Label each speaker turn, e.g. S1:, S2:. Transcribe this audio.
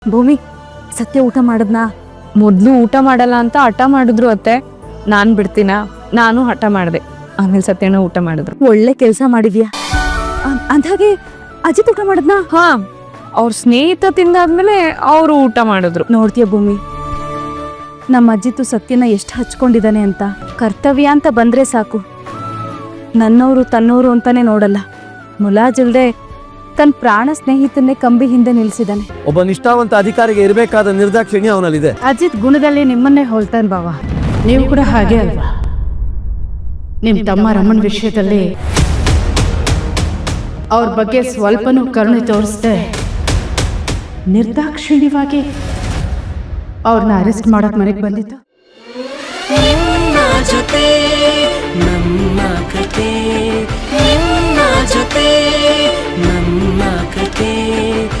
S1: ಭೂಮಿ ಸತ್ಯ ಊಟ ಮಾಡದ್ನಾ?
S2: ಮೊದ್ಲು ಊಟ ಮಾಡಲ್ಲ ಅಂತ ಹಠ ಮಾಡಿದ್ರು ಅತ್ತೆ. ನಾನ್ ಬಿಡ್ತೀನ? ನಾನು ಹಠ ಮಾಡಿದೆ. ಆಮೇಲೆ ಸತ್ಯನ ಊಟ ಮಾಡಿದ್ರು.
S1: ಒಳ್ಳೆ ಕೆಲಸ ಮಾಡಿದ್ಯಾ. ಅಂದಾಗೆ ಅಜಿತ್ ಊಟ ಮಾಡದ್ನಾ?
S2: ಹಾ, ಅವ್ರ ಸ್ನೇಹಿತ ತಿಂದಾದ್ಮೇಲೆ ಅವರು ಊಟ ಮಾಡಿದ್ರು.
S1: ನೋಡ್ತೀಯ ಭೂಮಿ, ನಮ್ಮ ಅಜ್ಜಿತ್ತು ಸತ್ಯನ ಎಷ್ಟು ಹಚ್ಕೊಂಡಿದ್ದಾನೆ ಅಂತ. ಕರ್ತವ್ಯ ಅಂತ ಬಂದ್ರೆ ಸಾಕು, ನನ್ನವರು ತನ್ನೋರು ಅಂತಾನೆ ನೋಡಲ್ಲ. ಮುಲಾಜಿಲ್ದೆ ತನ್ನ ಪ್ರಾಣ ಸ್ನೇಹಿತನ್ನೇ ಕಂಬಿ ಹಿಂದೆ ನಿಲ್ಸಿದಾನೆ.
S3: ಒಬ್ಬ ನಿಷ್ಠಾವಂತ ಅಧಿಕಾರಿಗೆ ಇರಬೇಕಾದ ನಿರ್ದಾಕ್ಷಿಣ್ಯ ಅವನಲ್ಲಿದೆ.
S1: ಅಜಿತ್ ಗುಣದಲ್ಲಿ ನಿಮ್ಮನ್ನೇ ಹೋಲ್ತಾನೆ ಬಾವ.
S4: ನೀವು ಕೂಡ ಹಾಗೆ ಅಲ್ವಾ? ನಿಮ್ಮ ತಮ್ಮ ರಮಣ್ ವಿಷಯದಲ್ಲಿ ಅವ್ರ ಬಗ್ಗೆ ಸ್ವಲ್ಪನೂ ಕರುಣೆ ತೋರಿಸ್ದೆ ನಿರ್ದಾಕ್ಷಿಣ್ಯವಾಗಿ ಅವ್ರನ್ನ ಅರೆಸ್ಟ್ ಮಾಡಕ್ ಮನೆಗೆ ಬಂದಿತ್ತು.
S5: ನಿನ್ನ ಜೊತೆ ನಮ್ಮ ಕತೆ, ನಿನ್ನ ಜೊತೆ ನಮ್ಮ ಕತೆ.